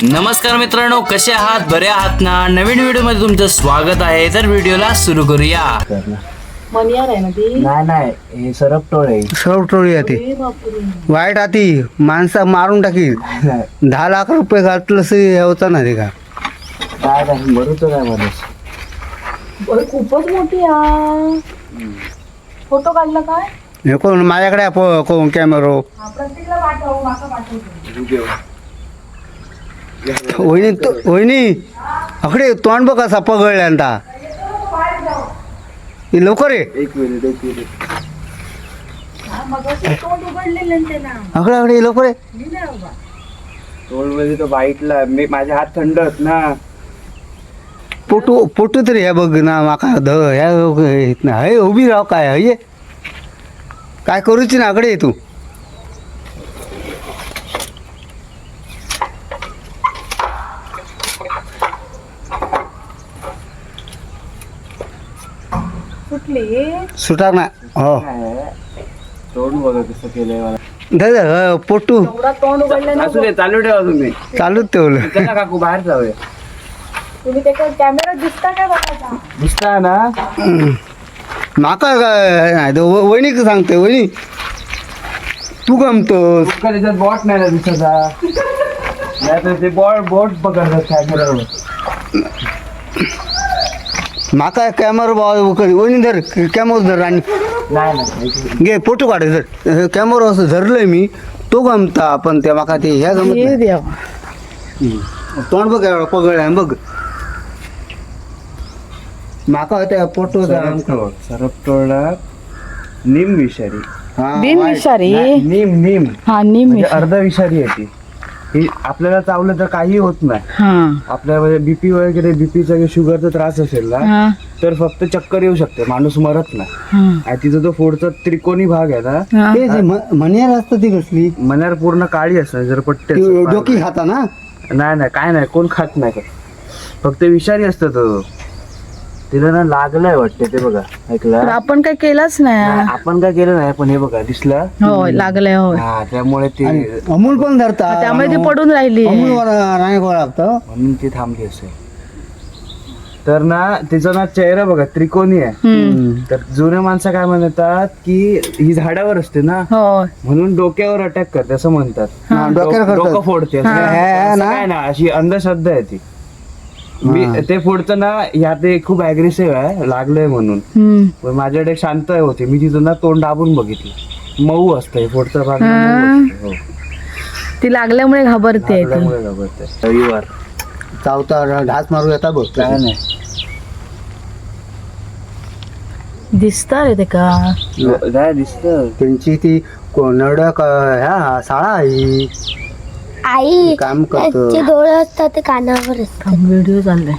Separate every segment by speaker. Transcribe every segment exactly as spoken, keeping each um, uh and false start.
Speaker 1: नमस्कार मित्रांनो, कसे आहात? बरे आहात ना? नवीन व्हिडिओ मध्ये तुमचं स्वागत आहे. तर व्हिडिओला सुरू करूया.
Speaker 2: मनियार आहे ना ती.
Speaker 3: नाही नाही हे सरपटोळ आहे.
Speaker 4: सरपटोळी आहे ती.
Speaker 2: अरे बापरे.
Speaker 4: वाईट आती माणसा मारून टाकी. दहा लाख रुपये घातलं हे होतं ना ते का
Speaker 3: काय काय मरूच काय माणूस.
Speaker 2: अरे खूपच मोठी आ. फोटो काढला काय?
Speaker 4: हे कोण माझ्याकडे आहे पो- कोण कॅमेरो
Speaker 2: हा, प्रत्येकला पाठव, माका पाठवतो.
Speaker 4: वहिनी तो- वहिनी अकडे तोंड बघ कसा पगळल्यांदा. हे लवकर ये.
Speaker 3: एक मिनिट एक मिनिट
Speaker 2: हा, मगाशी तोंड उघडलेलं ना त्याला.
Speaker 4: अकडे अकडे ये लवकर ये.
Speaker 2: मी नाही बाबा.
Speaker 3: तोंड मध्ये तो बाईटला मी माझे हात थंड आहेत ना.
Speaker 4: पोटू पोटू तरी हे बघ ना माका ध ह्या हे उभी राह काय हे काय करूची ना अकडे ये तू.
Speaker 2: सुटली.
Speaker 4: सुटाक ना हो
Speaker 3: काय तोंड बघा कसं केलंय मला.
Speaker 4: दादा पोटू
Speaker 2: एवढा तोंड उघडलं ना.
Speaker 3: असू दे चालू ठेवा तुम्ही.
Speaker 4: चालूच ठेवलं.
Speaker 3: चला काकू बाहेर जाऊया.
Speaker 2: तुम्ही त्याच्या कॅमेरा दिसता काय बघायचा?
Speaker 3: दिसता ना.
Speaker 4: माका काय नाही तो व- वहिनी का सांगते वहिनी तू गमतोस.
Speaker 3: तुका त्याच्यात बॉट नाही ना दिसता. नाही तर ते बॉट बोट पकडतात कॅमेरावर.
Speaker 4: माका कॅमेरा वहिनी धर कॅमेरा धर आणि
Speaker 3: नाही नाही
Speaker 4: घे फोटो काढ धर कॅमेरा असं धरलंय मी तो गमता पण त्या माका ते ह्या गमत
Speaker 2: हे
Speaker 4: नाही.
Speaker 2: देवा.
Speaker 4: हम्म. तोंड बघ एवढं पगळ बघ माका त्या फोटो
Speaker 3: सरपटोळ सरपटोळला निम विषारी.
Speaker 2: बिनविषारी.
Speaker 3: निम निम
Speaker 2: हा निम.
Speaker 3: म्हणजे अर्ध विषारी आहे ती. ही आपल्याला चावलं तर काही होत नाही.
Speaker 2: हा
Speaker 3: आपल्याला बीपी वगैरे बीपीचा शुगरचा त्रास असेल ना
Speaker 2: हा
Speaker 3: तर फक्त चक्कर येऊ शकते, माणूस मरत नाही.
Speaker 2: हा.
Speaker 3: आणि तिचा जो पुढचा त्रिकोणी भाग आहे ना
Speaker 2: हा.
Speaker 4: ते जे म- मण्यार असतं ती कसली
Speaker 3: मनार पूर्ण काळी असते जर पट्टे
Speaker 4: ती
Speaker 3: असतात.
Speaker 4: डोकी खाता ना
Speaker 3: नाही नाही काय नाही, कोण खात नाही का. फक्त विषारी असतं तो. तिला ना लागलंय वाटते ते बघा.
Speaker 2: पण
Speaker 3: ऐकलं
Speaker 2: आपण काय केलंच
Speaker 3: नाही,
Speaker 2: नाही.
Speaker 3: आपण काय केलं नाही पण हे बघा दिसलं.
Speaker 2: होय लागलंय होय.
Speaker 3: हा त्यामुळे ते
Speaker 4: आणि अमूल पण धरता
Speaker 2: त्यामुळे ती पडून राहिली.
Speaker 4: अमूल नाही गोळा लागतं
Speaker 3: म्हणून ती थांबली असेल. तर ना तिचा ना चेहरा बघा त्रिकोणी आहे.
Speaker 2: हम्म.
Speaker 3: तर जुन्या माणसं काय म्हणतात की ही झाडावर असते ना
Speaker 2: होय.
Speaker 3: म्हणून डोक्यावर अटॅक करते असं म्हणतात.
Speaker 4: हा, डोक्यावर
Speaker 3: डोकं
Speaker 4: करतात.
Speaker 3: फोडते असं.
Speaker 4: हा,
Speaker 3: असं
Speaker 4: ना.
Speaker 3: काय ना अशी अंधश्रद्धा आहे ती. मी ते फोडतं ना ह्या ते खूप अग्रेसिव्ह आहे लागलंय म्हणून.
Speaker 2: हम्म.
Speaker 3: पण माझ्याकडे शांत होते, मी तिथं ना तोंड दाबून बघितलं. मऊ असतं हे फोडचा भाग ना
Speaker 2: हा.
Speaker 3: मऊ असतं. हो.
Speaker 2: ती लागल्यामुळे घाबरते ती.
Speaker 3: लागल्यामुळे घाबरते. रविवार
Speaker 4: चावता ढास मारू येता बघ
Speaker 3: काय नाही
Speaker 2: दिसता रे ते का.
Speaker 3: काय दिसतं.
Speaker 4: त्यांची ती नडक ह्या साळा आहे
Speaker 5: आई
Speaker 4: काम करतो.
Speaker 5: त्याचे डोळे असतात ते कानावर असतात.
Speaker 2: व्हिडिओ चाललाय.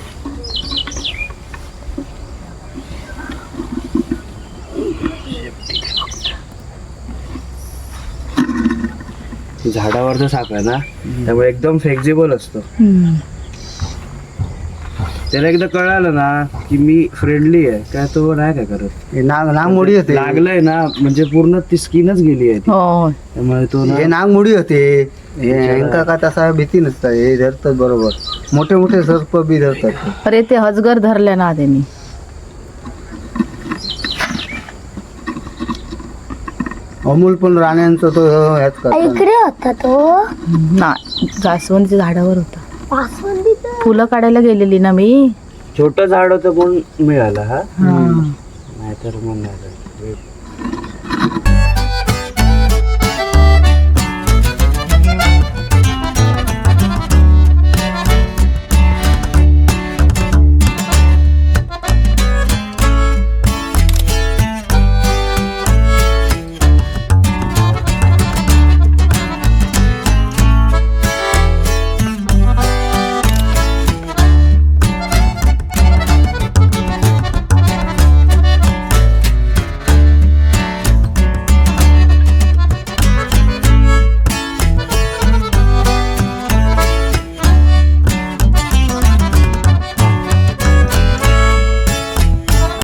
Speaker 3: झाडावरचा साप आहे ना त्यामुळे एकदम फ्लेक्झिबल असतो.
Speaker 2: हम्म.
Speaker 3: त्याला एकदा कळालं ना की मी फ्रेंडली आहे काय तो नाही काय करत.
Speaker 4: हे नाग नागमोडी होते
Speaker 3: लागलंय ना म्हणजे पूर्ण ती स्किनच गेली आहे ती.
Speaker 2: होय.
Speaker 3: त्यामुळे तो ना
Speaker 4: हे नागमोडी होते हे यांका का तसा भीती नसतात हे धरतात बरोबर. मोठे मोठे सर्प बी धरतात.
Speaker 2: अरे ते हजगर धरले ना त्यांनी.
Speaker 4: अमूल पण राण्यांचा तो ह्याच करतात.
Speaker 5: इकडे होता तो
Speaker 2: ना जास्वंदीच्या झाडावर होता.
Speaker 5: पासवंदीचा.
Speaker 2: फुलं काढायला गेलेली ना मी.
Speaker 3: छोटं झाड होतं म्हणून मिळालं हा
Speaker 2: हा.
Speaker 3: नाहीतर मग नाही.